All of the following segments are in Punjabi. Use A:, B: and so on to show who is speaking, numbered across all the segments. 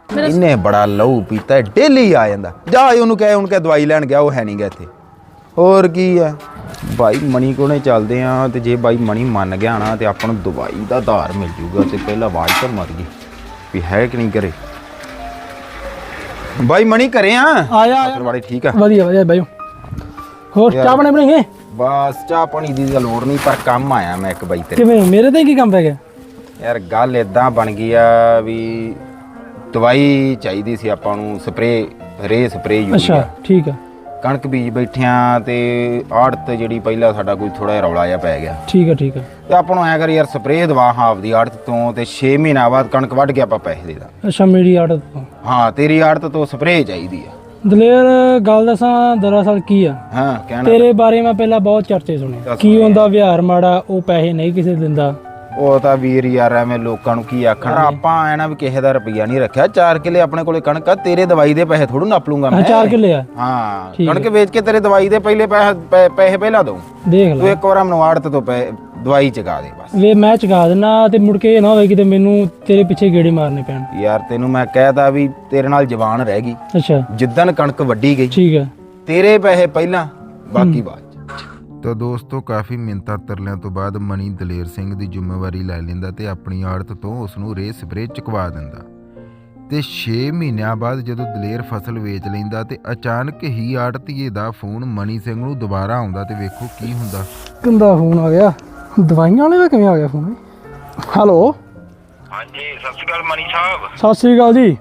A: इन्हें बड़ा लहू पीता है, डेली आ जाता। जा उन्होंने कहे उनके दवाई लैन गया, वो है नहीं गया इत्थे। होर की है भाई मनी कोने चलते हैं तो जे भाई मनी मन गया ना तो अपन दवाई का धार मिल जूगा। तो पहला आवाज तो मर गई भी है कि नहीं करे। भाई मनी करे
B: आया
A: बड़ी ठीक है
B: वधिया वधिया भाई। होर चाह पानी बनाइए?
A: बस चाह पानी दी लोड़ नहीं, पर काम आया मैं एक बाई तेरे।
B: किवें मेरे ते की काम पै गया
A: यार? गल इदां बन गई आ भी दवाई चाहिदी सी आपां नूं, स्प्रे रे स्प्रे यूरिया।
B: अच्छा ठीक है।
A: कणक बीज बैठिया ते आड़त ਜਿਹੜੀ ਪਹਿਲਾਂ ਸਾਡਾ ਕੋਈ ਥੋੜਾ ਜਿਹਾ ਰੌਲਾ ਜਿਹਾ ਪੈ ਗਿਆ।
B: ਠੀਕ ਹੈ ਠੀਕ ਹੈ।
A: ਤੇ ਆਪਾਂ ਨੂੰ ਐ ਕਰ ਯਾਰ ਸਪਰੇਅ ਦਵਾ ਹਾਫ ਦੀ ਆੜਤ ਤੋਂ ਤੇ 6 ਮਹੀਨਾ ਬਾਅਦ ਕਣਕ ਵੱਢ ਕੇ ਆਪਾਂ ਪੈਸੇ ਦੇ ਦਾਂ।
B: ਅੱਛਾ ਮੇਰੀ ਆੜਤ ਤੋਂ?
A: ਹਾਂ ਤੇਰੀ ਆੜਤ ਤੋਂ ਸਪਰੇਅ ਚਾਹੀਦੀ ਆ।
B: ਦਲੇਰ ਗੱਲ ਦੱਸਾਂ ਦਰਅਸਲ ਕੀ ਆ,
A: ਹਾਂ ਕਹਿਣਾ
B: ਤੇਰੇ ਬਾਰੇ ਮੈਂ ਪਹਿਲਾਂ ਬਹੁਤ ਚਰਚੇ ਸੁਣੇ। ਕੀ ਹੁੰਦਾ ਵਿਹਾਰ ਮਾੜਾ, ਉਹ ਪੈਸੇ ਨਹੀਂ ਕਿਸੇ ਦਿੰਦਾ।
A: ਉਹ ਤਾਂ ਵੀਰ ਯਾਰ ਐਵੇਂ ਲੋਕਾਂ ਨੂੰ ਕੀ ਆਖਣਾ। ਆਪਾਂ ਐ ਨਾ ਵੀ ਕਿਸੇ ਦਾ ਰੁਪਈਆ ਨਹੀਂ ਰੱਖਿਆ। 4 ਕਿੱਲੇ ਆਪਣੇ ਕੋਲੇ ਕਣਕ ਆ, ਤੇਰੇ ਦਵਾਈ ਦੇ ਪੈਸੇ ਥੋੜੂ ਨਾਪ ਲੂੰਗਾ ਮੈਂ।
B: 4 ਕਿੱਲੇ ਆ?
A: ਹਾਂ ਕਣਕ ਵੇਚ ਕੇ ਤੇਰੇ ਦਵਾਈ ਦੇ ਪਹਿਲੇ ਪੈਸੇ ਪਹਿਲਾਂ ਦਊਂ।
B: ਦੇਖ ਲੈ
A: ਤੂੰ ਇੱਕ ਵਾਰ ਮੈਨੂੰ ਆੜਤ ਤੋਂ ਦਵਾਈ ਚਗਾ ਦੇ ਬਸ।
B: ਵੇ ਮੈਂ ਚਗਾ ਦੇਣਾ ਤੇ ਮੁੜ ਕੇ ਇਹ ਨਾ ਹੋਵੇ ਕਿਤੇ ਮੈਨੂੰ ਤੇਰੇ ਪਿੱਛੇ ਗੇੜੇ ਮਾਰਨੇ ਪੈਣ।
A: ਯਾਰ ਤੈਨੂੰ ਮੈਂ ਕਹਿਤਾ ਵੀ ਤੇਰੇ ਨਾਲ ਜ਼ਬਾਨ ਰਹਿ ਗਈ।
B: ਅੱਛਾ
A: ਜਿੱਦਣ ਕਣਕ ਵੱਢੀ ਗਈ
B: ਠੀਕ ਹੈ,
A: ਤੇਰੇ ਪੈਸੇ ਪਹਿਲਾਂ ਬਾਕੀ ਬਾਅਦ।
C: ਤਾਂ ਦੋਸਤੋ ਕਾਫੀ ਮਿੰਨਤਾਂ ਤਰਲਿਆਂ ਤੋਂ ਬਾਅਦ ਮਨੀ ਦਲੇਰ ਸਿੰਘ ਦੀ ਜ਼ਿੰਮੇਵਾਰੀ ਲੈ ਲੈਂਦਾ ਤੇ ਆਪਣੀ ਆੜਤ ਤੋਂ ਉਸ ਨੂੰ ਰੇ ਸਪਰੇ ਚੁਕਵਾ ਦਿੰਦਾ। ਤੇ 6 ਮਹੀਨਿਆਂ ਬਾਅਦ ਜਦੋਂ ਦਲੇਰ ਫਸਲ ਵੇਚ ਲੈਂਦਾ ਤੇ ਅਚਾਨਕ ਹੀ ਆੜਤੀਏ ਦਾ ਫੋਨ ਮਨੀ ਸਿੰਘ ਨੂੰ ਦੁਬਾਰਾ ਆਉਂਦਾ ਤੇ ਵੇਖੋ ਕੀ ਹੁੰਦਾ।
B: ਕਿੰਦਾ ਫੋਨ ਆ ਗਿਆ? ਦਵਾਈਆਂ ਵਾਲੇ ਦਾ ਕਿਵੇਂ ਆ ਗਿਆ ਫੋਨ? ਹੈਲੋ
A: ਹਾਂਜੀ ਸਤਿ ਸ਼੍ਰੀ ਅਕਾਲ ਮਨੀ ਸਾਹਿਬ।
B: ਸਤਿ ਸ੍ਰੀ ਅਕਾਲ ਜੀ।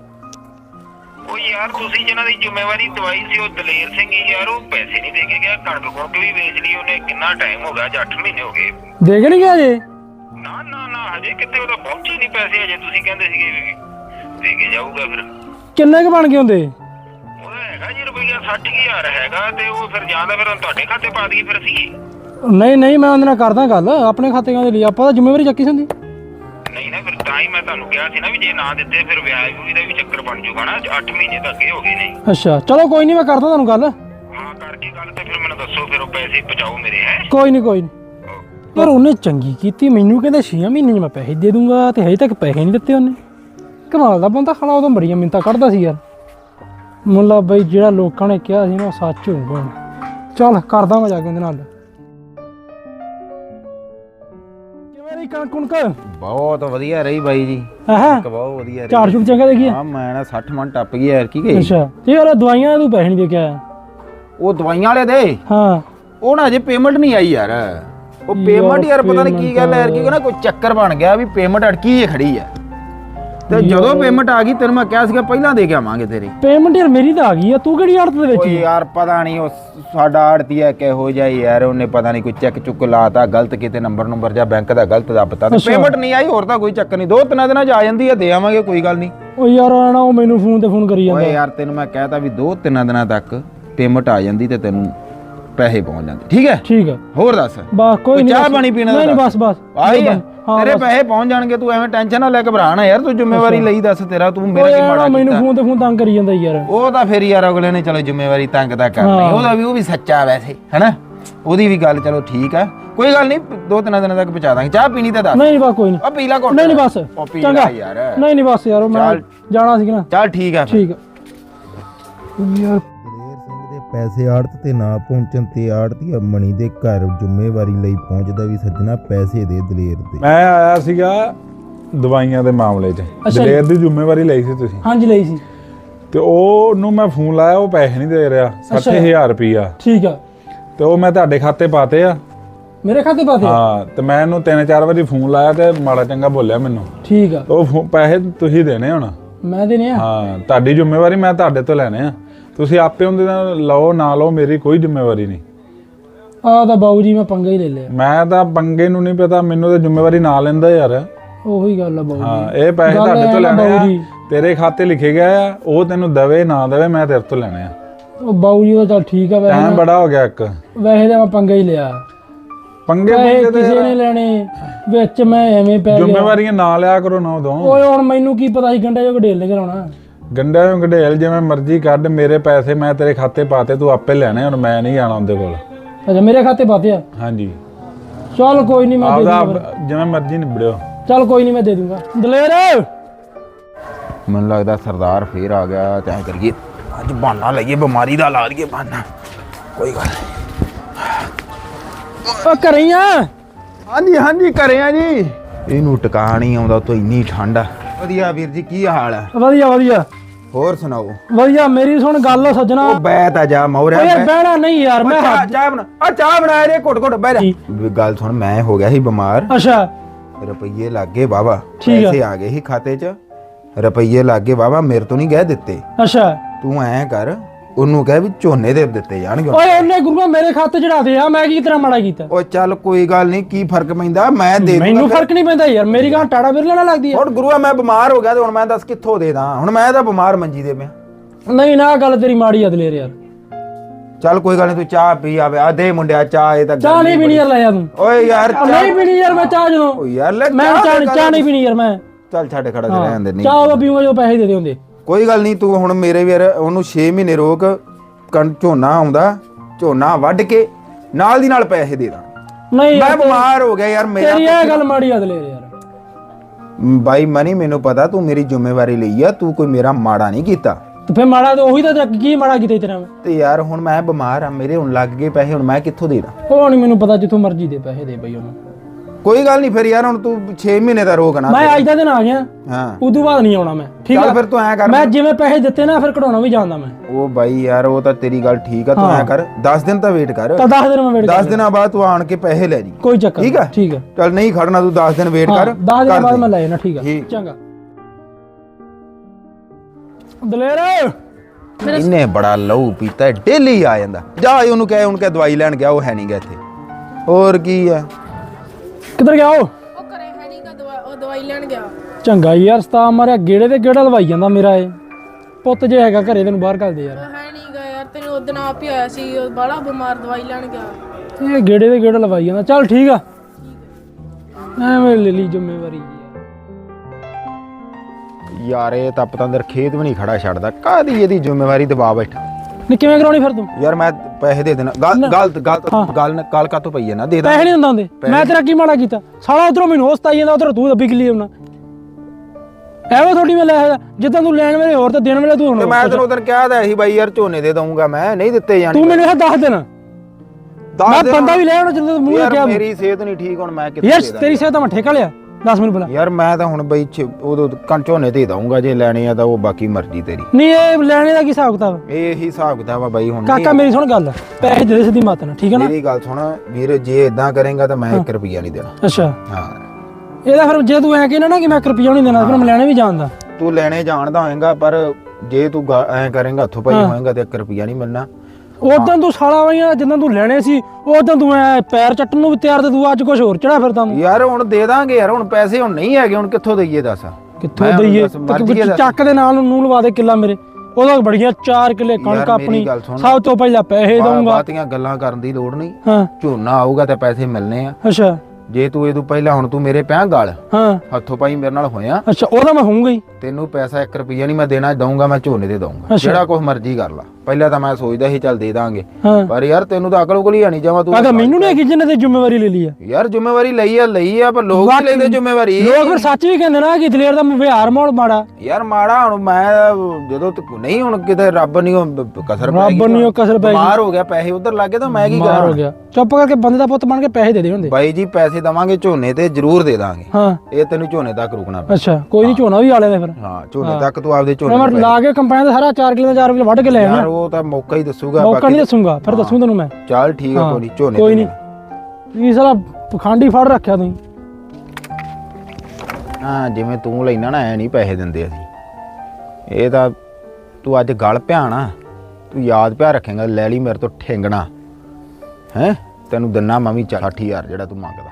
A: ਉਹ ਯਾਰ ਤੁਸੀਂ ਜਿਹਨਾਂ ਦੀ ਜ਼ਿੰਮੇਵਾਰੀ ਦਵਾਈ ਸੀ ਉਹ ਦਲੇਰ ਸਿੰਘ ਹੀ ਯਾਰ, ਉਹ ਪੈਸੇ ਨਹੀਂ ਦੇ ਕੇ ਗਿਆ। ਕਣਕ ਕੁਣਕ ਵੀ ਵੇਚ ਲਈ ਉਹਨੇ। ਕਿੰਨਾ ਟਾਈਮ ਹੋ ਗਿਆ? ਅੱਜ 8 ਮਹੀਨੇ ਹੋ ਗਏ।
B: ਦੇ ਕੇ ਨਹੀਂ ਗਿਆ ਜੇ?
A: ਨਾ ਨਾ ਨਾ ਹਜੇ ਕਿੱਥੇ, ਉਹਦਾ ਪਹੁੰਚੇ ਨਹੀਂ ਪੈਸੇ ਹਜੇ। ਤੁਸੀਂ ਕਹਿੰਦੇ ਸੀਗੇ ਵੀ ਦੇ ਕੇ ਜਾਊਗਾ। ਫਿਰ
B: ਕਿੰਨੇ ਕੁ ਬਣ ਗਏ ਹੁੰਦੇ?
A: ਉਹਦਾ ਹੈਗਾ ਜੀ ਰੁਪਈਆ 60,000 ਹੈਗਾ ਤੇ ਉਹ ਫਿਰ ਜਾਂਦਾ ਫਿਰ ਤੁਹਾਡੇ ਖਾਤੇ ਪਾ ਦਈਏ ਫਿਰ ਅਸੀਂ।
B: ਨਹੀਂ ਨਹੀਂ ਮੈਂ ਉਹਦੇ ਨਾਲ ਕਰਦਾ ਗੱਲ, ਆਪਣੇ ਖਾਤੇ ਦੇ ਲਈ ਆਪਾਂ ਤਾਂ ਜ਼ਿੰਮੇਵਾਰੀ ਚੱਕੀ ਸੰਦੀ।
A: ਨਹੀਂ ਨਾ ਫਿਰ ਤਾਂ ਹੀ ਮੈਂ ਤੁਹਾਨੂੰ ਕਿਹਾ ਸੀ ਨਾ ਵੀ ਜੇ ਨਾ ਦਿੱਤੇ ਫਿਰ ਵਿਆਜ ਦਾ ਵੀ ਚੱਕਰ ਬਣ ਜਾਊਗਾ ਨਾ। 8 ਮਹੀਨੇ ਤਾਂ ਅੱਗੇ ਹੋ ਗਏ ਨੇ।
B: ਅੱਛਾ ਚਲੋ ਕੋਈ ਨਹੀਂ, ਮੈਂ ਕਰਦਾ ਤੁਹਾਨੂੰ ਗੱਲ।
A: ਹਾਂ ਕਰਕੇ ਗੱਲ ਤੇ ਫਿਰ ਮੈਨੂੰ ਦੱਸੋ, ਫਿਰ ਉਹ ਪੈਸੇ ਪਹੁੰਚਾਓ ਮੇਰੇ। ਹੈ
B: ਕੋਈ ਨਹੀਂ ਕੋਈ ਨਹੀਂ। ਪਰ ਉਹਨੇ ਚੰਗੀ ਕੀਤੀ, ਮੈਨੂੰ ਕਹਿੰਦਾ 6 ਮਹੀਨੇ 'ਚ ਮੈਂ ਪੈਸੇ ਦੇ ਦੂੰਗਾ ਤੇ ਹਜੇ ਤੱਕ ਪੈਸੇ ਨਹੀਂ ਦਿੱਤੇ ਉਹਨੇ। ਕਮਾਲ ਦਾ ਬੰਦਾ ਖੜਾ, ਉਦੋਂ ਬੜੀਆਂ ਮਿੰਨਤਾਂ ਕੱਢਦਾ ਸੀ ਯਾਰ। ਮੁੱਲਾ ਬਈ ਜਿਹੜਾ ਲੋਕਾਂ ਨੇ ਕਿਹਾ ਸੀ ਨਾ ਉਹ ਸੱਚ ਹੋਊਗਾ। ਚੱਲ ਕਰਦਾ ਮੈਂ ਜਾ ਕੇ ਉਹਦੇ ਨਾਲ। ਕਿਵੇਂ ਕਣਕ ਕੁਣਕ?
A: ਬਹੁਤ ਵਧੀਆ ਰਹੀ ਬਾਈ ਜੀ।
B: ਹਾਂ
A: ਬਹੁਤ ਵਧੀਆ ਰਹੀ।
B: ਝਾੜ ਝੂੜ ਚੰਗਾ ਦੇਖੀਏ?
A: ਹਾਂ ਮੈਂ ਨਾ 60 ਮਣ ਟੱਪ ਗਈ ਯਾਰ। ਕੀ ਗਈ?
B: ਅੱਛਾ ਤੇ ਯਾਰ ਦਵਾਈਆਂ ਤੂੰ ਪੈਸੇ ਨਹੀਂ ਦੇ ਕੇ ਆਇਆ?
A: ਉਹ ਦਵਾਈਆਂ ਵਾਲੇ ਦੇ
B: ਹਾਂ
A: ਉਹ ਨਾ ਅਜੇ ਪੇਮੈਂਟ ਨਹੀਂ ਆਈ ਯਾਰ। ਉਹ ਪੇਮੈਂਟ ਯਾਰ ਪਤਾ ਨਹੀਂ ਕੀ ਗੱਲ ਹੈ ਯਾਰ, ਕੀ ਕਹਿੰਦਾ ਕੋਈ ਚੱਕਰ ਬਣ ਗਿਆ ਵੀ ਪੇਮੈਂਟ ਅਟਕੀ ਹੈ ਖੜੀ ਹੈ। ਤੇ ਜਦੋਂ ਪੇਮੈਂਟ ਆ ਗਈ ਤੈਨੂੰ ਮੈਂ ਕਿਹਾ ਸੀਗਾ ਪਹਿਲਾਂ ਦੇ ਕੇ ਆਵਾਂਗੇ ਤੇਰੀ
B: ਪੇਮੈਂਟ। ਯਾਰ ਮੇਰੀ ਤਾਂ ਆ ਗਈ ਆ, ਤੂੰ ਕਿਹੜੀ ਆੜਤ ਦੇ ਵਿੱਚ?
A: ਓਏ ਯਾਰ ਪਤਾ ਨਹੀਂ ਉਹ ਸਾਡਾ ਆੜਤੀਆ ਕਿਹੋ ਜਿਹਾ ਯਾਰ, ਉਹਨੇ ਪਤਾ ਨਹੀਂ ਕੋਈ ਚੈੱਕ ਚੁੱਕ ਲਾਤਾ ਗਲਤ, ਕਿਤੇ ਨੰਬਰ ਜਾਂ ਬੈਂਕ ਦਾ ਗਲਤ ਦੱਬਤਾ ਤੇ ਪੇਮੈਂਟ ਨਹੀਂ ਆਈ। ਹੋਰ ਤਾਂ ਕੋਈ ਚੱਕਰ ਨਹੀਂ, 2-3 ਦਿਨਾਂ 'ਚ ਆ ਜਾਂਦੀ ਹੈ, ਦੇ ਆਵਾਂਗੇ ਕੋਈ ਗੱਲ ਨਹੀਂ।
B: ਓ ਯਾਰ ਆਣਾ ਉਹ ਮੈਨੂੰ ਫੋਨ ਤੇ ਫੋਨ ਕਰੀ ਜਾਂਦਾ।
A: ਓਏ ਯਾਰ ਤੈਨੂੰ ਮੈਂ ਕਹਿਤਾ ਵੀ 2-3 ਦਿਨਾਂ ਤੱਕ ਪੇਮੈਂਟ ਆ ਜਾਂਦੀ ਤੇ ਤੈਨੂੰ ਪੈਸੇ ਪਹੁੰਚ ਜਾਂਦੇ। ਠੀਕ ਹੈ
B: ਠੀਕ ਹੈ।
A: ਹੋਰ ਦੱਸ
B: ਬਸ ਕੋਈ ਨਹੀਂ,
A: ਚਾਹ ਪਾਣੀ ਪੀਣਾ?
B: ਨਹੀਂ ਬਸ ਬਸ
A: ਆਹੀ ਹੈ ਤੇਰੇ ਪੈਸੇ ਪਹੁੰਚ ਜਾਣਗੇ। ਤੂੰ ਐਵੇਂ ਟੈਨਸ਼ਨ ਨਾ ਲੈ ਕੇ ਘਬਰਾਣਾ ਯਾਰ, ਤੂੰ ਜ਼ਿੰਮੇਵਾਰੀ ਲਈ ਦੱਸ ਤੇਰਾ। ਤੂੰ ਮੇਰਾ ਕੀ ਮਾੜਾ ਕੀਤਾ?
B: ਮੈਨੂੰ ਫੋਨ ਤੇ ਫੋਨ ਤੰਗ ਕਰੀ ਜਾਂਦਾ ਯਾਰ।
A: ਉਹ ਤਾਂ ਫਿਰ ਯਾਰ ਅਗਲੇ ਨੇ ਚਲੋ ਜ਼ਿੰਮੇਵਾਰੀ ਤੰਗ ਤਾਂ ਕਰਨੀ, ਉਹਦਾ ਵੀ ਉਹ ਵੀ ਸੱਚਾ ਵੈਸੇ ਹੈਨਾ, ਉਹਦੀ ਵੀ ਗੱਲ ਚਲੋ ਠੀਕ ਆ। ਕੋਈ ਗੱਲ ਨਹੀਂ 2-3 ਦਿਨਾਂ ਤੱਕ ਪਹੁੰਚਾ ਦਾਂਗੇ। ਚਾਹ ਪੀਣੀ ਤਾਂ ਦੱਸ।
B: ਨਹੀਂ ਬਸ ਕੋਈ ਨਹੀਂ।
A: ਉਹ ਪੀ ਲੈ ਘੁੱਟ।
B: ਨਹੀਂ ਬਸ
A: ਉਹ ਪੀ
B: ਚੰਗਾ
A: ਲੈ ਯਾਰ।
B: ਨਹੀਂ ਨਹੀਂ ਬਸ ਯਾਰ ਮੈਂ ਜਾਣਾ ਸੀ ਨਾ।
A: ਚੱਲ ਠੀਕ ਆ
B: ਠੀਕ ਆ ਯਾਰ।
C: ਦਲੇਰ ਸਿੰਘ ਦੇ ਪੈਸੇ ਆੜਤ ਤੇ ਨਾ ਪਹੁੰਚਣ ਤੇ ਆੜਤੀਆ ਮਣੀ ਦੇ ਘਰ ਜ਼ਿੰਮੇਵਾਰੀ ਲਈ ਪਹੁੰਚਦਾ ਵੀ ਸੱਜਣਾ ਪੈਸੇ ਦੇ ਦਲੇਰ ਦੇ।
D: ਮੈਂ ਆਇਆ ਸੀਗਾ ਦਵਾਈਆਂ ਦੇ ਮਾਮਲੇ 'ਚ। ਦਲੇਰ ਦੀ ਜ਼ਿੰਮੇਵਾਰੀ ਲਈ ਸੀ ਤੁਸੀਂ?
B: ਹਾਂਜੀ ਲਈ ਸੀ।
D: ਤੇ ਉਹਨੂੰ ਮੈਂ ਫੋਨ ਲਾਇਆ, ਉਹ ਪੈਸੇ ਨਹੀਂ ਦੇ ਰਿਹਾ। 60,000 ਰੁਪਈਆ।
B: ਠੀਕ ਆ।
D: ਤੇ ਉਹ ਮੈਂ ਤੁਹਾਡੇ ਖਾਤੇ ਪਾਤੇ ਆ।
B: ਮੇਰੇ ਖਾਤੇ ਪਾਤੇ?
D: ਹਾਂ ਤੇ ਮੈਂ ਇਹਨੂੰ 3-4 ਵਾਰੀ ਫੋਨ ਲਾਇਆ ਤੇ ਮਾੜਾ ਚੰਗਾ ਬੋਲਿਆ ਮੈਨੂੰ।
B: ਠੀਕ ਆ।
D: ਉਹ ਪੈਸੇ ਤੁਸੀਂ ਦੇਣੇ ਹੁਣ।
B: ਮੈਂ ਦੇਣੇ ਆ?
D: ਹਾਂ ਤੁਹਾਡੀ ਜ਼ਿੰਮੇਵਾਰੀ, ਮੈਂ ਤੁਹਾਡੇ ਤੋਂ ਲੈਣੇ ਆ। ਤੁਸੀਂ ਆਪੇ ਉਹਦੇ ਨਾਲ ਲਓ ਨਾ ਲਓ, ਮੇਰੀ ਕੋਈ ਜ਼ਿੰਮੇਵਾਰੀ ਨਹੀਂ।
B: ਆ ਤਾਂ ਬਾਊ ਜੀ ਮੈਂ ਪੰਗਾ ਹੀ ਲੈ ਲਿਆ।
D: ਮੈਂ ਤਾਂ ਪੰਗੇ ਨੂੰ ਨਹੀਂ ਪਤਾ, ਮੈਨੂੰ ਤਾਂ ਜ਼ਿੰਮੇਵਾਰੀ ਨਾ ਲੈਂਦਾ ਯਾਰ।
B: ਉਹੀ ਗੱਲ ਆ ਬਾਊ ਜੀ।
D: ਹਾਂ ਇਹ ਪੈਸੇ ਤੁਹਾਡੇ ਤੋਂ ਲੈਣੇ ਆ, ਤੇਰੇ ਖਾਤੇ ਲਿਖੇ ਗਿਆ ਆ। ਉਹ ਤੈਨੂੰ ਦਵੇ ਨਾ ਦਵੇ ਮੈਂ ਤੇਰੇ ਤੋਂ ਲੈਣੇ ਆ।
B: ਉਹ ਬਾਊ ਜੀ ਦਾ ਚੱਲ ਠੀਕ ਆ। ਵੈਸੇ
D: ਟਾਈਮ ਬੜਾ ਹੋ ਗਿਆ ਇੱਕ।
B: ਵੈਸੇ ਤਾਂ ਮੈਂ ਪੰਗਾ ਹੀ ਲਿਆ।
D: ਪੰਗੇ
B: ਕਿਸੇ ਨੇ ਲੈਣੇ ਵਿੱਚ, ਮੈਂ ਐਵੇਂ ਪੈ ਗਿਆ।
D: ਜ਼ਿੰਮੇਵਾਰੀਆਂ ਨਾ ਲਿਆ ਕਰੋ ਨਾ ਉਦੋਂ।
B: ਓਏ ਹੁਣ ਮੈਨੂੰ ਕੀ ਪਤਾ ਸੀ ਗੰਡਾ ਜੋ ਗਡੇਲ ਨੇ ਕਰਾਉਣਾ।
D: ਗੰਡਿਆਂ ਨੂੰ ਗਡੇਲ ਜਿਵੇਂ ਮਰਜ਼ੀ ਕੱਢ, ਮੇਰੇ ਪੈਸੇ ਮੈਂ ਤੇਰੇ ਖਾਤੇ ਪਾਤੇ, ਤੂੰ ਆਪੇ ਲੈਣੇ। ਹੁਣ ਮੈਂ ਨਹੀਂ ਜਾਣਾ ਉਹਦੇ ਕੋਲ।
B: ਅੱਛਾ ਮੇਰੇ ਖਾਤੇ ਪਾਤੇ ਆ?
D: ਹਾਂਜੀ
B: ਚੱਲ ਕੋਈ ਨਹੀਂ, ਮੈਂ ਦੇ ਦੂੰਗਾ
D: ਜਿਵੇਂ ਮਰਜ਼ੀ ਨਿਬੜਿਓ।
B: ਚੱਲ ਕੋਈ ਨਹੀਂ, ਮੈਂ ਦੇ ਦੂੰਗਾ। ਦਲੇਰ
A: ਮੈਨੂੰ ਲੱਗਦਾ ਸਰਦਾਰ ਫੇਰ ਆ ਗਿਆ ਤੇ ਐਂ ਕਰੀਏ ਅੱਜ ਬਹਾਨਾ ਲਈਏ ਬਿਮਾਰੀ ਦਾ ਲਾ ਲਈਏ ਬਹਾਨਾ ਕੋਈ ਗੱਲ ਨਹੀਂ।
B: ਉਹ ਘਰੇ ਹੀ ਆ।
A: ਹਾਂਜੀ ਹਾਂਜੀ ਘਰੇ ਆ ਜੀ। ਇਹਨੂੰ ਟਿਕਾ ਨਹੀਂ ਆਉਂਦਾ ਤੋਂ ਇੰਨੀ ਠੰਡ ਆ। ਵਧੀਆ ਵੀਰ ਜੀ ਕੀ ਹਾਲ ਹੈ?
B: ਵਧੀਆ ਵਧੀਆ
A: ਹੋਰ ਸੁਣਾਓ।
B: ਵਧੀਆ। ਮੇਰੀ ਸੁਣ ਗੱਲ ਸੱਜਣਾ।
A: ਉਹ ਬੈਠ ਆ ਜਾ ਮੌਰਿਆ
B: ਓਏ ਬਹਿਣਾ ਨਹੀਂ ਯਾਰ ਮੈਂ
A: ਚਾਹ ਬਣਾ ਚਾਹ ਬਣਾਇਆ ਰੇ ਘੁੱਟ ਘੁੱਟ ਬਹਿ ਜਾ। ਗੱਲ ਸੁਣ ਮੈਂ ਹੋ ਗਿਆ ਸੀ ਬਿਮਾਰ।
B: ਅੱਛਾ
A: ਰੁਪਈਏ ਲੱਗੇ ਬਾਬਾ
B: ਠੀਕ ਆ।
A: ਪੈਸੇ ਆ ਗਏ ਸੀ ਖਾਤੇ 'ਚ ਰੁਪਈਏ ਲੱਗੇ ਬਾਬਾ ਮੇਰੇ ਤੋਂ ਨਹੀਂ ਗਏ ਦਿੱਤੇ।
B: ਅੱਛਾ
A: ਤੂੰ ਐਂ ਕਰ ਉਹਨੂੰ ਕਹਿ ਵੀ ਝੋਨੇ ਦੇ ਦਿੱਤੇ ਜਾਣਗੇ।
B: ਓਏ ਉਹਨੇ ਗੁਰੂਆ ਮੇਰੇ ਖਾਤੇ ਚੜਾ ਦੇ ਆ ਮੈਂ ਕੀ ਤਰ੍ਹਾਂ ਮਾੜਾ ਕੀਤਾ।
A: ਓ ਚੱਲ ਕੋਈ ਗੱਲ ਨਹੀਂ ਕੀ ਫਰਕ ਪੈਂਦਾ ਮੈਂ ਦੇ ਦੂੰਗਾ।
B: ਮੈਨੂੰ ਫਰਕ ਨਹੀਂ ਪੈਂਦਾ ਯਾਰ ਮੇਰੀ ਗਾਂ ਟਾੜਾ ਬਿਰਲਾ ਨਾਲ ਲੱਗਦੀ ਆ।
A: ਹੁਣ ਗੁਰੂਆ ਮੈਂ ਬਿਮਾਰ ਹੋ ਗਿਆ ਤੇ ਹੁਣ ਮੈਂ ਦੱਸ ਕਿੱਥੋਂ ਦੇ ਦਾਂ। ਹੁਣ ਮੈਂ ਤਾਂ ਬਿਮਾਰ ਮੰਜੀ ਦੇ ਪਿਆ।
B: ਨਹੀਂ ਨਾ ਗੱਲ ਤੇਰੀ ਮਾੜੀ ਆ ਦਲੇਰ ਯਾਰ।
A: ਚੱਲ ਕੋਈ ਗੱਲ ਨਹੀਂ ਤੂੰ ਚਾਹ ਪੀ ਆਵੇ ਆ ਦੇ ਮੁੰਡਿਆ ਚਾਹ ਇਹ ਤਾਂ
B: ਚਾਹ ਨਹੀਂ ਪੀਣੀ ਯਾਰ ਲੈ ਜਾ ਤੂੰ।
A: ਓਏ ਯਾਰ
B: ਨਹੀਂ ਪੀਣੀ ਯਾਰ ਮੈਂ ਚਾਹ ਜਦੋਂ
A: ਓ ਯਾਰ ਲੈ
B: ਮੈਂ ਚਾਹ ਨਹੀਂ ਪੀਣੀ ਯਾਰ ਮੈਂ।
A: ਚੱਲ ਛੱਡ ਖੜਾ ਤੇ ਰਹਿਣ ਦੇ ਨਹੀਂ
B: ਚਾਹ ਉਹ ਪੀਊਂਗਾ ਜੋ ਪੈਸੇ ਦੇ ਦੇ ਹੁੰਦੇ।
A: ਕੋਈ ਗੱਲ ਨਹੀਂ ਤੂੰ ਹੁਣ ਮੇਰੇ ਵੀਰ ਉਹਨੂੰ 6 ਮਹੀਨੇ ਰੋਕ ਝੋਨਾ ਆਉਂਦਾ ਝੋਨਾ ਵੱਢ ਕੇ ਨਾਲ ਦੀ ਨਾਲ ਪੈਸੇ ਦੇ ਦਾਂ।
B: ਨਹੀਂ
A: ਮੈਂ ਬਿਮਾਰ ਹੋ ਗਿਆ ਯਾਰ ਮੇਰਾ
B: ਤੇਰੀ ਇਹ ਗੱਲ ਮਾੜੀ ਆ ਦਲੇਰ ਯਾਰ।
A: ਬਾਈ ਮਨੀ ਮੈਨੂੰ ਪਤਾ ਤੂੰ ਮੇਰੀ ਜ਼ਿੰਮੇਵਾਰੀ ਲਈ ਆ ਤੂੰ ਕੋਈ ਮੇਰਾ ਮਾੜਾ ਨਹੀਂ ਕੀਤਾ।
B: ਤੇ ਫੇਰ ਮਾੜਾ ਤੇ ਉਹੀ ਤਾਂ ਕੀ ਮਾੜਾ ਕੀਤਾ ਤੇਰਾ ਮੈਂ।
A: ਤੇ ਯਾਰ ਹੁਣ ਮੈਂ ਬਿਮਾਰ ਆ ਮੇਰੇ ਹੁਣ ਲੱਗ ਗਏ ਪੈਸੇ ਹੁਣ ਮੈਂ ਕਿੱਥੋਂ ਦੇ ਦਾਂ।
B: ਉਹ ਨਹੀਂ ਮੈਨੂੰ ਪਤਾ ਜਿੱਥੋਂ ਮਰਜ਼ੀ ਦੇ ਪੈਸੇ ਦੇ ਬਈ ਉਹਨੂੰ।
A: ਕੋਈ ਗੱਲ ਨਹੀਂ ਫਿਰ ਯਾਰ ਹੁਣ ਤੂੰ 6 ਮਹੀਨੇ ਦਾ ਰੋਕ ਨਾ।
B: ਮੈਂ ਅੱਜ ਦਾ ਦਿਨ ਆ ਗਿਆ
A: ਹਾਂ
B: ਉਦੋਂ ਬਾਅਦ ਨਹੀਂ ਆਉਣਾ ਮੈਂ। ਠੀਕ
A: ਚੱਲ
B: ਆ
A: ਫਿਰ ਤੂੰ ਐਂ ਕਰ
B: ਮੈਂ ਜਿਵੇਂ ਪੈਸੇ ਦਿੱਤੇ ਨਾ ਫਿਰ ਕਢਾਉਣਾ ਵੀ ਜਾਣਦਾ ਮੈਂ।
A: ਉਹ ਬਾਈ ਯਾਰ ਉਹ ਤਾਂ ਤੇਰੀ ਗੱਲ ਠੀਕ ਆ ਤੂੰ ਐਂ ਕਰ 10 ਦਿਨ ਤਾਂ ਵੇਟ ਕਰ।
B: ਤਾਂ 10 ਦਿਨ ਮੈਂ ਵੇਟ
A: 10 ਦਿਨਾਂ ਬਾਅਦ ਤੂੰ ਆਣ ਕੇ ਪੈਸੇ ਲੈ ਜੀ।
B: ਕੋਈ ਚੱਕਰ
A: ਠੀਕ ਆ
B: ਠੀਕ ਆ।
A: ਚੱਲ ਨਹੀਂ ਖੜਨਾ ਤੂੰ 10 ਦਿਨ ਵੇਟ ਕਰ
B: 10 ਦਿਨ ਬਾਅਦ ਮੈਂ ਲੈ ਜਾਣਾ। ਠੀਕ ਆ
A: ਠੀਕ।
B: ਚੰਗਾ ਦਲੇਰ
A: ਇਹਨੇ ਬੜਾ ਲਹੂ ਪੀਤਾ ਡੇਲੀ ਆ ਜਾਂਦਾ। ਜਾ ਉਹਨੂੰ ਕਹਿ ਦਵਾਈ ਲੈਣ ਗਿਆ ਉਹ ਹੈ ਨਹੀਂ ਗਿਆ ਇੱਥੇ। ਹੋਰ ਕੀ ਆ
B: ਕਿੱਧਰ ਗਿਆ ਉਹ
E: ਘਰੇ ਹੈ ਨਹੀਂ ਗਾ ਉਹ ਦਵਾਈ ਲੈਣ ਗਿਆ।
B: ਚੰਗਾ ਯਾਰ ਸਤਾ ਮਾਰਿਆ ਗੇੜੇ ਤੇ ਗੇੜਾ ਲਵਾਈ ਜਾਂਦਾ ਮੇਰਾ ਇਹ ਪੁੱਤ ਜੇ ਹੈਗਾ ਘਰੇ ਤੈਨੂੰ ਬਾਹਰ ਕੱਢ ਦੇ ਯਾਰ।
E: ਹੈ ਨਹੀਂ ਗਾ ਯਾਰ ਤੈਨੂੰ ਉਦੋਂ ਆਪ ਹੀ ਆਇਆ ਸੀ ਉਹ ਬਾਹਲਾ ਬਿਮਾਰ ਦਵਾਈ ਲੈਣ ਗਿਆ।
B: ਇਹ ਗੇੜੇ ਤੇ ਗੇੜਾ ਲਵਾਈ ਜਾਂਦਾ। ਚੱਲ ਠੀਕ ਆ ਐਵੇਂ ਲੈ ਲਈ ਜ਼ਿੰਮੇਵਾਰੀ
A: ਯਾਰ ਇਹ ਤਾਂ ਪਤੰਦਰ ਖੇਤ ਵੀ ਨਹੀਂ ਖੜਾ ਛੱਡਦਾ ਕਾਹਦੀ ਇਹਦੀ ਜ਼ਿੰਮੇਵਾਰੀ ਦਬਾ ਬੈਠਾ।
B: ਨਹੀਂ ਕਿਵੇਂ ਕਰਾਉਣੀ ਫਿਰ ਤੂੰ।
A: ਯਾਰ ਮੈਂ ਪੈਸੇ ਦੇ ਦੇਣਾ ਗੱਲ ਕਾਤੋਂ ਪਈ ਹੈ ਨਾ ਦੇ
B: ਪੈਸੇ ਨਹੀਂ ਦਿੰਦਾ ਹੁੰਦੇ ਮੈਂ ਤੇਰਾ ਕੀ ਮਾੜਾ ਕੀਤਾ ਸਾਲਾ ਉਧਰੋਂ ਮੈਨੂੰ ਹੋਸਤ ਆਈ ਜਾਂਦਾ ਉਧਰੋਂ ਤੂੰ ਦੱਬੀ ਕਿਲੀ ਆਉਣਾ ਐਵੇਂ ਥੋੜੀ ਮੈਂ ਲੈ ਜਿੱਦਾਂ ਤੂੰ ਲੈਣ ਵੇਲੇ ਹੋਰ ਤਾਂ ਦੇਣ ਵੇਲੇ ਤੂੰ ਹੁਣ।
A: ਮੈਂ ਤੈਨੂੰ ਉਦੋਂ ਕਿਹਾ ਤਾਂ ਸੀ ਬਾਈ ਯਾਰ ਝੋਨੇ ਦੇ ਦਊਂਗਾ ਮੈਂ ਨਹੀਂ ਦਿੱਤੇ ਜਾਣੇ।
B: ਤੂੰ ਮੈਨੂੰ ਇਹ ਦੱਸ ਦੇਣਾ ਮੈਂ ਬੰਦਾ ਵੀ ਲੈ ਆਉਣਾ ਜਿੰਦਾ ਮੂੰਹ ਨੇ ਕਿਹਾ
A: ਮੇਰੀ ਸਿਹਤ ਨਹੀਂ ਠੀਕ ਹੁਣ ਮੈਂ ਕਿੱਥੇ
B: ਯਾਰ ਤੇਰੀ ਸਿਹਤ ਤਾਂ ਮੈਂ ਠੇਕਾ ਲਿਆ ਦੱਸ ਮੈਨੂੰ ਭਲਾ।
A: ਯਾਰ ਮੈਂ ਤਾਂ ਹੁਣ ਬਈ ਉਦੋਂ ਝੋਨੇ ਦੇ ਦਊਂਗਾ ਜੇ ਲੈਣੇ ਆ ਤਾਂ ਉਹ ਬਾਕੀ ਮਰਜ਼ੀ ਤੇਰੀ।
B: ਨਹੀਂ ਇਹ ਲੈਣੇ ਦਾ ਕੀ ਹਿਸਾਬ ਕਿਤਾਬ
A: ਇਹ ਹੀ ਹਿਸਾਬ ਕਿਤਾਬ ਆ ਬਾਈ ਹੁਣ।
B: ਕਾਕਾ ਮੇਰੀ ਸੁਣ ਗੱਲ ਪੈਸੇ ਦੇ ਦੇ ਸਿੱਧੀ ਮਤ ਨਾਲ ਠੀਕ ਹੈ ਨਾ।
A: ਮੇਰੀ ਗੱਲ ਸੁਣ ਵੀਰ ਜੇ ਇਦਾਂ ਕਰੇਗਾ ਤਾਂ ਮੈਂ 1 ਰੁਪਿਆ ਨਹੀਂ ਦੇਣਾ।
B: ਅੱਛਾ
A: ਹਾਂ
B: ਇਹਦਾ ਫਿਰ ਜੇ ਤੂੰ ਐ ਕਹਿਣਾ ਨਾ ਕਿ ਮੈਂ 1 ਰੁਪਿਆ ਨਹੀਂ ਦੇਣਾ ਫਿਰ ਮੈਂ ਲੈਣੇ ਵੀ ਜਾਣਦਾ।
A: ਤੂੰ ਲੈਣੇ ਜਾਣਦਾ ਹੋਏਗਾ ਪਰ ਜੇ ਤੂੰ ਐਂ ਕਰੇਗਾ ਹੱਥੋਂ ਪਾਈ ਹੋਏਗਾ ਤੇ 1 ਰੁਪਿਆ ਨਹੀਂ ਮਿਲਣਾ।
B: ਉਦੋਂ ਤੂੰ ਸਾਲਾ ਵਾਈਆਂ ਜਿੱਦਾਂ ਤੂੰ ਲੈਣੇ ਸੀ ਉਦੋਂ ਤੂੰ ਐ ਪੈਰ ਚੱਟਣ ਨੂੰ ਵੀ ਤਿਆਰ ਤੇ ਤੂੰ ਅੱਜ ਕੁਝ ਹੋਰ ਚੜਾ ਫਿਰਦਾ ਤੂੰ।
A: ਯਾਰ ਹੁਣ ਦੇ ਦਾਂਗੇ ਯਾਰ ਹੁਣ ਪੈਸੇ ਹੁਣ ਨਹੀਂ ਹੈਗੇ ਹੁਣ ਕਿੱਥੋਂ ਦਈਏ ਦੱਸ।
B: ਕਿੱਥੋਂ ਦਈਏ ਚੱਕ ਦੇ ਨਾਲ ਨੂੰ ਲਵਾ ਦੇ ਕਿੱਲਾ ਮੇਰੇ ਉਹਦਾ ਬੜੀਆਂ 4 ਕਿੱਲੇ ਕਣਕ ਆਪਣੀ ਸਭ ਤੋਂ ਪਹਿਲਾਂ ਪੈਸੇ ਦਊਂਗਾ।
A: ਬਾਤੀਆਂ ਗੱਲਾਂ ਕਰਨ ਦੀ ਲੋੜ ਨਹੀਂ।
B: ਹਾਂ
A: ਝੋਨਾ ਆਊਗਾ ਤੇ ਪੈਸੇ ਮਿਲਨੇ ਆ।
B: ਅੱਛਾ
A: ਜੇ ਤੂੰ ਇਹਦੋਂ ਪਹਿਲਾਂ ਹੁਣ ਤੂੰ ਮੇਰੇ ਪਿਆ ਗਾਲ
B: ਹਾਂ
A: ਹੱਥੋਂ ਪਾਈ ਮੇਰੇ ਨਾਲ ਹੋਇਆ
B: ਅੱਛਾ ਉਹਦਾ ਮੈਂ ਹੋਊਂਗਾ ਹੀ।
A: ਤੈਨੂੰ ਪੈਸਾ 1 ਰੁਪਿਆ ਨਹੀਂ ਮੈਂ ਦੇਣਾ ਦਊਂਗਾ ਮੈਂ ਝੋਨੇ ਤੇ ਦਊਂਗਾ ਜਿਹੜਾ ਕੁਝ ਮਰਜ਼ੀ ਕਰ ਲਾ। ਪਹਿਲਾਂ ਤਾਂ ਮੈਂ ਸੋਚਦਾ ਸੀ ਚੱਲ ਦੇ ਦਾਂਗੇ
B: ਹਾਂ
A: ਪਰ ਯਾਰ ਤੈਨੂੰ ਤਾਂ ਅਕਲ ਉਕਲ ਹੀ ਆਣੀ ਜਾਵਾਂ ਤੂੰ।
B: ਅਗਰ ਮੈਨੂੰ ਨਹੀਂ ਹੈਗੀ ਜਿਹਨੇ ਤੇ ਜ਼ਿੰਮੇਵਾਰੀ ਲੈ ਲਈ ਆ।
A: ਯਾਰ ਜ਼ਿੰਮੇਵਾਰੀ ਲਈ ਆ ਪਰ ਲੋਕ ਨਹੀਂ ਲੈਂਦੇ ਜ਼ਿੰਮੇਵਾਰੀ।
B: ਲੋਕ ਫਿਰ ਸੱਚ ਵੀ ਕਹਿੰਦੇ ਨਾ ਕਿ ਦਲੇਰ ਦਾ ਵਿਹਾਰ ਮੋੜ ਮਾੜਾ।
A: ਯਾਰ ਮਾੜਾ ਹੁਣ ਮੈਂ ਜਦੋਂ ਨਹੀਂ ਹੁਣ ਕਿਤੇ ਰੱਬ ਨਹੀਂ ਕਸਰ ਪੈ ਗਈ
B: ਰੱਬ ਨਹੀਂ ਉਹ ਕਸਰ ਪੈ ਗਈ
A: ਬਿਮਾਰ ਹੋ ਗਿਆ ਪੈਸੇ ਉਧਰ ਲੱਗੇ ਤਾਂ ਮੈਂ ਕੀ
B: ਮਾਰ
A: ਕਰਾਂ।
B: ਹੋ ਗਿਆ ਚੁੱਪ ਕਰਕੇ ਬੰਦੇ ਦਾ ਪੁੱਤ ਬਣ ਕੇ ਪੈਸੇ ਦੇ ਦੇ ਹੁੰਦੇ।
A: ਬਾਈ ਜੀ ਪੈਸੇ ਦਵਾਂਗੇ ਝੋਨੇ ਤੇ ਜ਼ਰੂਰ ਦੇ ਦਾਂਗੇ।
B: ਹਾਂ
A: ਇਹ ਤੈਨੂੰ ਝੋਨੇ ਤੱਕ ਰੁਕਣਾ ਪੈਣਾ।
B: ਅੱਛਾ ਕੋਈ ਨਹੀਂ ਝੋਨਾ ਵੀ ਆਲੇ ਨੇ ਫਿਰ।
A: ਹਾਂ ਝੋਨੇ ਤੱਕ ਤੂੰ ਆਪਦੇ ਝੋਨੇ
B: ਮੈਂ ਲਾ ਕੇ ਕੰਪਾਈਨ ਦਾ ਸਾਰਾ 4 ਕਿਲੋ ਦਾ 4 ਕਿਲੋ ਵੱਢ ਕੇ ਲੈ
A: ਯਾਰ
B: ਆਣਾ।
A: ਉਹ ਤਾਂ ਮੌਕਾ ਹੀ ਦੱਸੂਗਾ
B: ਮੌਕਾ ਨਹੀਂ ਦੱਸੂਗਾ ਫਿਰ ਦੱਸੂ ਤੈਨੂੰ ਮੈਂ।
A: ਚੱਲ ਠੀਕ ਆ ਕੋਈ ਨਹੀਂ ਝੋਨੇ
B: ਕੋਈ ਨਹੀਂ ਇਹ ਸਾਲਾ ਪਖੰਡੀ ਫੜ ਰੱਖਿਆ ਤੂੰ।
A: ਹਾਂ ਜਿਵੇਂ ਤੂੰ ਲੈਣਾ ਨਾ ਐ ਨਹੀਂ ਪੈਸੇ ਦਿੰਦੇ ਅਸੀਂ। ਇਹ ਤਾਂ ਤੂੰ ਅੱਜ ਗਲ ਪਿਆਣਾ ਤੂੰ ਯਾਦ ਪਿਆ ਰੱਖੇਗਾ ਲੈ ਲਈ ਮੇਰੇ ਤੋਂ ਠੇਂਗਣਾ ਹੈ ਤੈਨੂੰ ਦਿਨਾ ਮੈਂ ਵੀ 60000 ਜਿਹੜਾ ਤੂੰ ਮੰਗਦਾ।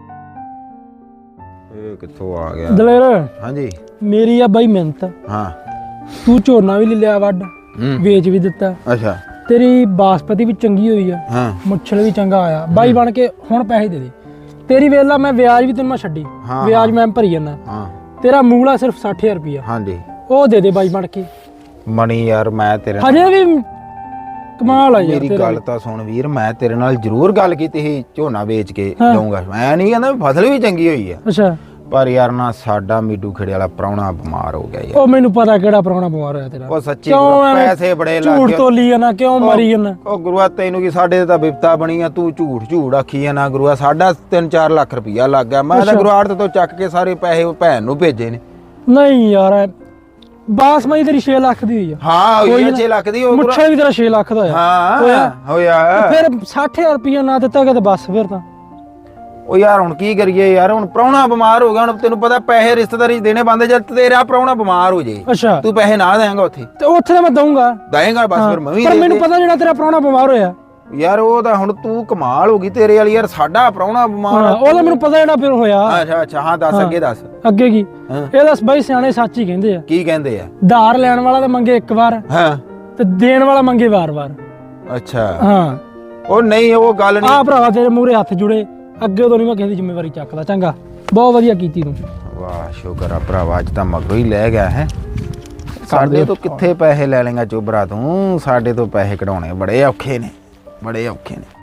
A: ਇਹ ਕਿੱਥੋਂ ਆ ਗਿਆ
B: ਦਲੇਰ
A: ਹਾਂਜੀ
B: ਮੇਰੀ ਆ ਬਾਈ ਮਿਹਨਤ
A: ਹਾਂ
B: ਤੂੰ ਝੋਨਾ ਵੀ ਲੈ ਲਿਆ ਵੱਢ ਵੇਚ ਵੀ ਦਿੱਤਾ
A: ਅੱਛਾ
B: ਤੇਰੀ ਬਾਸਪਤੀ ਵੀ ਚੰਗੀ ਹੋਈ ਆ
A: ਹਾਂ
B: ਮੁੱਛਲ ਵੀ ਚੰਗਾ ਆਇਆ ਬਾਈ ਬਣ ਕੇ ਹੁਣ ਪੈਸੇ ਦੇ ਦੇ। ਤੇਰੀ ਵੇਲਾ ਮੈਂ ਵਿਆਜ ਵੀ ਤੈਨੂੰ ਮੈਂ ਛੱਡੀ ਵਿਆਜ ਮੈਂ ਭਰੀ ਜਾਂਦਾ।
A: ਹਾਂ
B: ਤੇਰਾ ਮੂਲਾ ਸਿਰਫ 60000 ਰੁਪਇਆ
A: ਹਾਂਜੀ
B: ਉਹ ਦੇ ਦੇ ਬਾਈ ਬਣ ਕੇ।
A: ਮਣੀ ਯਾਰ ਮੈਂ ਤੇਰੇ
B: ਹਜੇ ਵੀ ਕਮਾਲ ਆ ਯਾਰ
A: ਮੇਰੀ ਗੱਲ ਤਾਂ ਸੁਣ ਵੀਰ ਮੈਂ ਤੇਰੇ ਨਾਲ ਜ਼ਰੂਰ ਗੱਲ ਕੀਤੀ ਸੀ ਝੋਨਾ ਵੇਚ ਕੇ ਦਊਂਗਾ। ਮੈਂ ਨਹੀਂ ਕਹਿੰਦਾ ਫਸਲ ਵੀ ਚੰਗੀ ਹੋਈ ਆ
B: ਅੱਛਾ
A: ਪਰ ਯਾਰ ਨਾ ਸਾਡਾ ਮੀਡੂ ਖੇੜੇ ਵਾਲਾ ਪ੍ਰਾਹੁਣਾ ਬਿਮਾਰ ਹੋ ਗਿਆ ਯਾਰ।
B: ਉਹ ਮੈਨੂੰ ਪਤਾ ਕਿਹੜਾ ਪ੍ਰਾਹੁਣਾ ਬਿਮਾਰ ਹੋਇਆ ਤੇਰਾ।
A: ਉਹ ਸੱਚੀ
B: ਕਿਉਂ ਐਵੇਂ
A: ਪੈਸੇ ਬੜੇ ਲੱਗ
B: ਝੂਠ
A: ਗਏ।
B: ਤੋਲੀ ਜਾਣਾ, ਕਿਉਂ ਮਰੀ ਜਾਣਾ?
A: ਉਹ ਗੁਰੂਆ ਤੈਨੂੰ ਕੀ, ਸਾਡੇ ਤੇ ਤਾਂ ਬਿਪਤਾ ਬਣੀ ਆ, ਤੂੰ ਝੂਠ ਆਖੀ ਆ ਨਾ ਗੁਰੂਆ। ਸਾਡਾ 3-4 ਲੱਖ ਰੁਪਈਆ ਲੱਗ ਗਿਆ। ਮੈਂ ਤਾਂ ਗੁਰੂ ਆੜਤ ਤੋਂ ਚੱਕ ਕੇ ਸਾਰੇ ਪੈਸੇ ਉਹ ਭੈਣ ਨੂੰ ਭੇਜੇ ਨੇ।
B: ਨਹੀਂ ਯਾਰ ਬਾਸਮਤੀ ਤੇਰੀ 6 ਲੱਖ ਦੀ ਹੋਈ ਆ।
A: ਹਾਂ ਹੋਈ ਆ 6 ਲੱਖ ਦੀ। ਉਹ
B: ਮੁੱਛਾ ਵੀ ਤੇਰਾ 6 ਲੱਖ ਦਾ ਹੋਇਆ।
A: ਹਾਂ ਹੋਇਆ।
B: ਫਿਰ 60,000 ਰੁਪਇਆ ਨਾ ਦਿੱਤਾ ਕਿ ਤੇ ਬਸ ਫਿਰ ਤਾਂ।
A: ਉਹ ਯਾਰ ਹੁਣ ਕੀ ਕਰੀਏ ਯਾਰ, ਹੁਣ ਪ੍ਰਾਹੁਣਾ ਬਿਮਾਰ ਹੋ ਗਿਆ। ਹੁਣ ਤੈਨੂੰ ਪਤਾ ਪੈਸੇ ਰਿਸ਼ਤੇਦਾਰੀ 'ਚ ਦੇਣੇ ਬੰਦੇ, ਜਦ ਤੇਰਾ ਪ੍ਰਾਹੁਣਾ ਬਿਮਾਰ ਹੋ ਜੇ
B: ਅੱਛਾ
A: ਤੂੰ ਪੈਸੇ ਨਾ ਦੇਂਗਾ ਉੱਥੇ?
B: ਤੇ ਉੱਥੇ ਤਾਂ ਮੈਂ ਦਊਂਗਾ।
A: ਦੇਂਗਾ ਬਸ ਫਿਰ ਮੈਂ ਵੀ
B: ਪਰ
A: ਦੇ
B: ਮੈਨੂੰ
A: ਦੇ।
B: ਪਤਾ ਜਿਹੜਾ ਤੇਰਾ ਪ੍ਰਾਹੁਣਾ ਬਿਮਾਰ ਹੋਇਆ
A: ਯਾਰ ਉਹ ਤਾਂ ਹੁਣ ਤੂੰ ਕਮਾਲ ਹੋ ਗਈ ਤੇਰੇ ਵਾਲੀ ਯਾਰ। ਸਾਡਾ ਪ੍ਰਾਹੁਣਾ ਬਿਮਾਰ ਆ।
B: ਉਹ ਤਾਂ ਮੈਨੂੰ ਪਤਾ ਜਿਹੜਾ ਫਿਰ ਹੋਇਆ।
A: ਅੱਛਾ ਹਾਂ ਦੱਸ ਅੱਗੇ ਦੱਸ।
B: ਅੱਗੇ ਕੀ
A: ਹਾਂ।
B: ਇਹ ਦੱਸ ਬਈ, ਸਿਆਣੇ ਸੱਚ ਹੀ ਕਹਿੰਦੇ ਆ।
A: ਕੀ ਕਹਿੰਦੇ ਆ?
B: ਧਾਰ ਲੈਣ ਵਾਲਾ ਤਾਂ ਮੰਗੇ ਇੱਕ ਵਾਰ
A: ਹਾਂ
B: ਤੇ ਦੇਣ ਵਾਲਾ ਮੰਗੇ ਵਾਰ-ਵਾਰ।
A: ਅੱਛਾ
B: ਹਾਂ
A: ਉਹ ਨਹੀਂ, ਉਹ ਗੱਲ ਨਹੀਂ।
B: ਆ ਭਰਾਵਾ ਤੇਰੇ ਮੂਹਰੇ ਹੱਥ ਜੁੜੇ, ਅੱਗੇ ਤੋਂ ਨਹੀਂ ਮੈਂ ਕਿਸੇ ਦੀ ਜ਼ਿੰਮੇਵਾਰੀ ਚੱਕਦਾ। ਚੰਗਾ, ਬਹੁਤ ਵਧੀਆ ਕੀਤੀ ਤੂੰ।
A: ਵਾਹ ਸ਼ੁਕਰ ਆ ਭਰਾਵਾ, ਅੱਜ ਤਾਂ ਮਗਰੋਂ ਹੀ ਲੈ ਗਿਆ ਹੈ। ਸਾਡੇ ਤੋਂ ਕਿੱਥੇ ਪੈਸੇ ਲੈ ਲੇਗਾ ਚੋਬਰਾ ਤੂੰ? ਸਾਡੇ ਤੋਂ ਪੈਸੇ ਕਢਾਉਣੇ ਬੜੇ ਔਖੇ ਨੇ, ਬੜੇ ਔਖੇ ਨੇ।